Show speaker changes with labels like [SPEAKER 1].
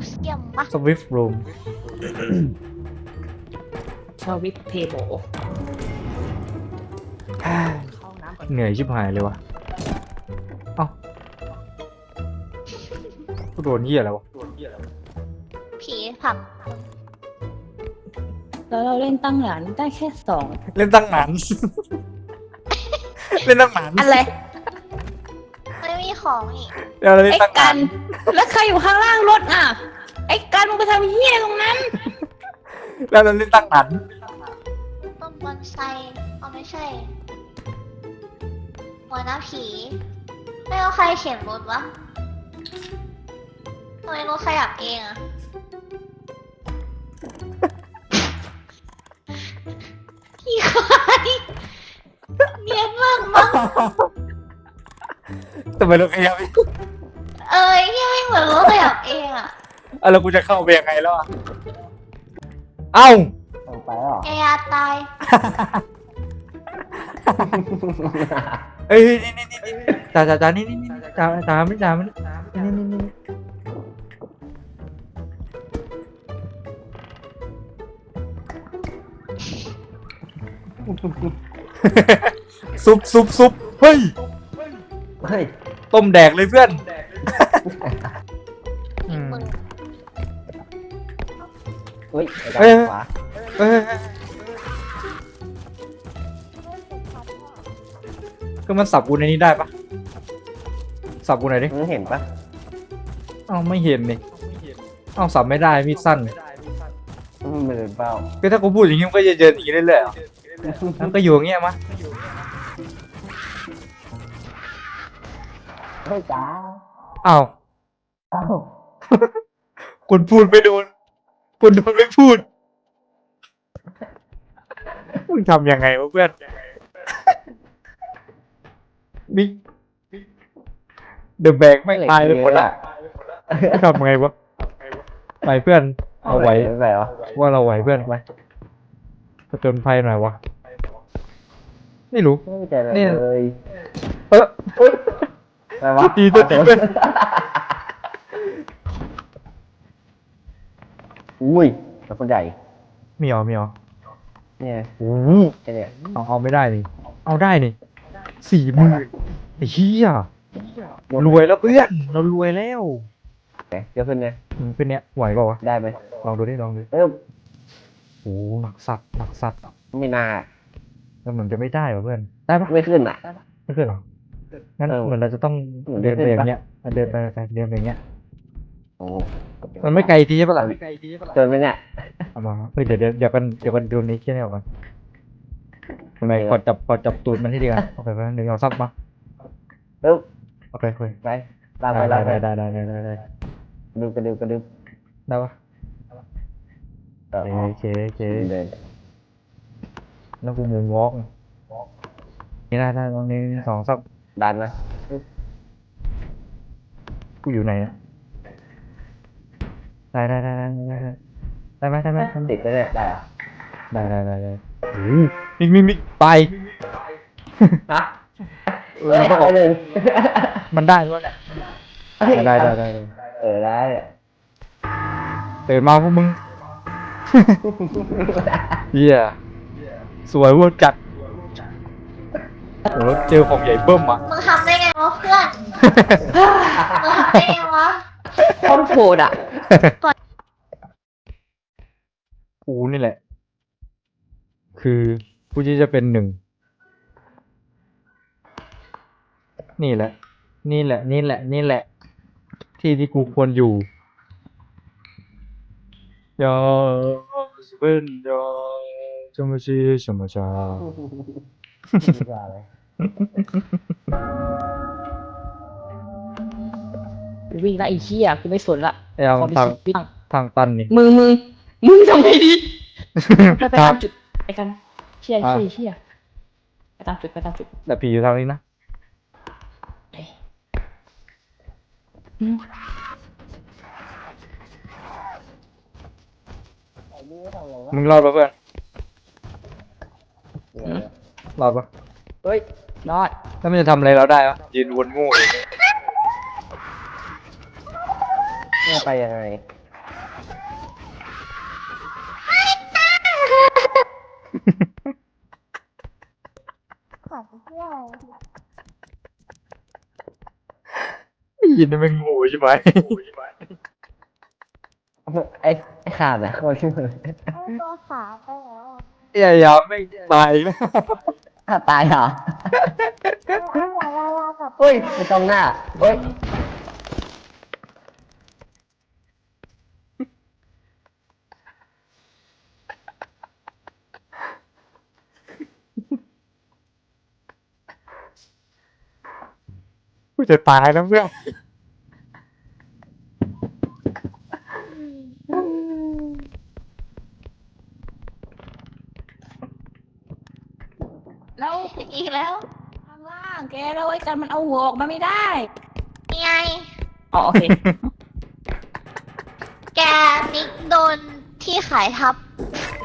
[SPEAKER 1] เซียมปะ
[SPEAKER 2] สวิฟรูม
[SPEAKER 3] ชอวิทเทโบเข้าน้ำก่อน
[SPEAKER 2] เหนื่อยชิบหายเลยวะเอ้ากูโดนเหี้ยแล้ววะ
[SPEAKER 1] ผีผับ
[SPEAKER 3] แล้วเราเล่นตั้งหลานได้แค่2
[SPEAKER 2] เล่นตั้งนาน เล่นตั้งนาน
[SPEAKER 3] อะไร
[SPEAKER 1] ไม่มีของอีก
[SPEAKER 2] เดี๋ยวเราเล่น
[SPEAKER 3] ไอ้
[SPEAKER 2] ตั้ง
[SPEAKER 3] กั
[SPEAKER 2] นาน
[SPEAKER 3] นแล้วใครอยู่ข้างล่างรถอ่ะไอ้กันมึงไปทำเหี้ยตรงนั้น
[SPEAKER 2] แล้วเราเล่นตั้งนาน
[SPEAKER 1] ต้นบอนไซเอาไม่ใช่หัวหน้าผีไม่เอาใครเขียนรถวะทำไมรถขยับเองอะพี่ควายเนียนมากมั้ง
[SPEAKER 2] ทำไมเราขยับอีก
[SPEAKER 1] ยังไม่เหมือนรถขยับเองอะ
[SPEAKER 2] อ่ะแล้วกูจะเข้าไปยังไงแล้วอ่ะเอ้า
[SPEAKER 4] ไปหรอ
[SPEAKER 1] แอยาตาย
[SPEAKER 2] เอ้ยนี่จ่านี่จ่าไม่จ่ามันนี่ซุปเฮ้ย
[SPEAKER 4] เฮ้ย
[SPEAKER 2] ต้มแดกเลยเพื่อนอืม
[SPEAKER 1] มึง
[SPEAKER 4] เฮ้ย
[SPEAKER 2] เอ้ย
[SPEAKER 4] ขวา
[SPEAKER 2] เอ้ยก็มันสับกูในนี้ได้ปะสับกูไหนอยดิ
[SPEAKER 4] มึงเห็นปะ
[SPEAKER 2] เอ้าไม่เห็นนี่เอ้าสับไม่ได้มีดสั้น
[SPEAKER 4] มันเป็นเป้า
[SPEAKER 2] ก็ถ้ากูพูดอย่างงี้มันก็จะเดินอย่างงี้เรื่อยๆเหรอมันก็อยู่อย่างเงี้ยมะ
[SPEAKER 4] เฮ้ยจ้า
[SPEAKER 2] อ้าว
[SPEAKER 4] เอ้า
[SPEAKER 2] คนพูดไม่โดนคนโดนไม่พูดมึงทำยังไงวะเพื่อนนี่เดอะแบกไม่ตายไปหมดละทำไงวะไปเพื่อนเอาไหว
[SPEAKER 4] ไม่ไหววะ
[SPEAKER 2] ว่าเราไหวเพื่อนไปผจญภัยหน่อยวะไม่รู้
[SPEAKER 4] ไม่ใจเลย
[SPEAKER 2] เนี่ย
[SPEAKER 4] ไปวะ
[SPEAKER 2] ตีตัวตีเพื่อน
[SPEAKER 4] อุ้ยแล้วคนใหญ่
[SPEAKER 2] มีเหรอ
[SPEAKER 4] เนี่ย
[SPEAKER 2] โอ้โห
[SPEAKER 4] แค่เนี่ย
[SPEAKER 2] เอาไม่ได้นี่เอาได้นี่40,000ไอ้เหี้ยรวยแล้วเพื่อนเรารวยแล้ว
[SPEAKER 4] เดี๋ยวขึ้นไง
[SPEAKER 2] เป็นเนี้ยไหวเปล่าวะ
[SPEAKER 4] ได้ไหม
[SPEAKER 2] ลองดูดิ
[SPEAKER 4] เอ้ย
[SPEAKER 2] โอ้หนักสัตว์
[SPEAKER 4] ไม่น่า
[SPEAKER 2] แล้วมันจะไม่ได้วะเพื่อนได้ปะ
[SPEAKER 4] ไม่ขึ้นอ่ะ
[SPEAKER 2] ไม่ขึ้นหรองั้น
[SPEAKER 4] เออ
[SPEAKER 2] เหมือนเราจะต้อง
[SPEAKER 4] เหมือน
[SPEAKER 2] เดินไป
[SPEAKER 4] ไม่ขึ้น
[SPEAKER 2] อย่าง
[SPEAKER 4] ปะ
[SPEAKER 2] เงี้ยเดินไปอย่างเงี้ย
[SPEAKER 4] โอ้
[SPEAKER 2] มันไม่ไกลทีใช่ปะล่ะ
[SPEAKER 4] จนไปเนี่ย
[SPEAKER 2] เอามาเฮ้ยเดี๋ยวกันดูนี้แค่นี้ก่อนทำไมกดจับตูดมันที่ดีกันโอเคไปเดี๋ยวเอาซับมา
[SPEAKER 4] ปึ๊บ
[SPEAKER 2] โอเคคุย
[SPEAKER 4] ไปลากไปลากไป
[SPEAKER 2] ได้
[SPEAKER 4] ดึงกระดึบกระดึบ
[SPEAKER 2] ได้ปะ
[SPEAKER 4] เออ
[SPEAKER 2] โอเค
[SPEAKER 4] เดิน
[SPEAKER 2] แล้วกูมูนวอล์กนี่ได้ตรงนี้2ซับ
[SPEAKER 4] ดันไหม
[SPEAKER 2] กูอยู่ไหนอะได้ไหม
[SPEAKER 4] ติดไปเนี่ยได้เหรอ
[SPEAKER 2] ได้มิกไป
[SPEAKER 4] ฮะ
[SPEAKER 2] มันต้องออก
[SPEAKER 4] เลย
[SPEAKER 2] มันได้ด้วยแหละได้
[SPEAKER 4] ได้
[SPEAKER 2] ตื่นมาพวกมึงเหี้ยสวยเวอร์จัดโหแล้วเจอของใหญ่เบิ้มอ่ะ
[SPEAKER 1] มึงทำได้ไงวะเพื่อนมึงทำได้ไงวะ
[SPEAKER 3] โคตรโหดอ่ะ
[SPEAKER 2] กูนี่แหละ คือผู้ที่จะเป็น1นี่แหละ ที่กูควรอยู่ยาเป็นยาจะมาชี什么จ้า
[SPEAKER 3] วิ่งละไอ้เหี้ยกูไม่สนละ
[SPEAKER 2] ไอ้เอา
[SPEAKER 3] ขอมี
[SPEAKER 2] ทาง
[SPEAKER 3] ชีวิตบ้าง
[SPEAKER 2] ทางตันนี่
[SPEAKER 3] มึงทำไงดีไปตามจุดไปกันเชี่ยไปตามจุด
[SPEAKER 2] แต่ผีอยู่ทางนี้นะ
[SPEAKER 3] อืม
[SPEAKER 2] มึงรอดปะเพื่อนรอดปะ
[SPEAKER 4] เฮ้ย
[SPEAKER 3] รอด
[SPEAKER 2] แล้วมันจะทำอะไรเราได้ปะยืนวนงูอย่างนี้
[SPEAKER 4] ไม่ไปยังไง
[SPEAKER 2] ยินได้เป็นงูใช่ไหม
[SPEAKER 4] ไอ้ขาดนะเขาชื่อเลย
[SPEAKER 1] ตัวขาไปแล้ว
[SPEAKER 2] อย่าไม่ตายนะ
[SPEAKER 4] ตายเหรอเฮ้ยไปตรงหน้าเฮ้ย
[SPEAKER 2] กูจะตายแล้วเพื่อน
[SPEAKER 3] แล้ว
[SPEAKER 1] อีกแล้ว
[SPEAKER 3] ข้างล่างแกแล้วไอ้กันมันเอาหัวออกมาไม่ได้
[SPEAKER 1] นี่ไง
[SPEAKER 3] อ๋อโอเค
[SPEAKER 1] แกนิกโดนที่ขายทับ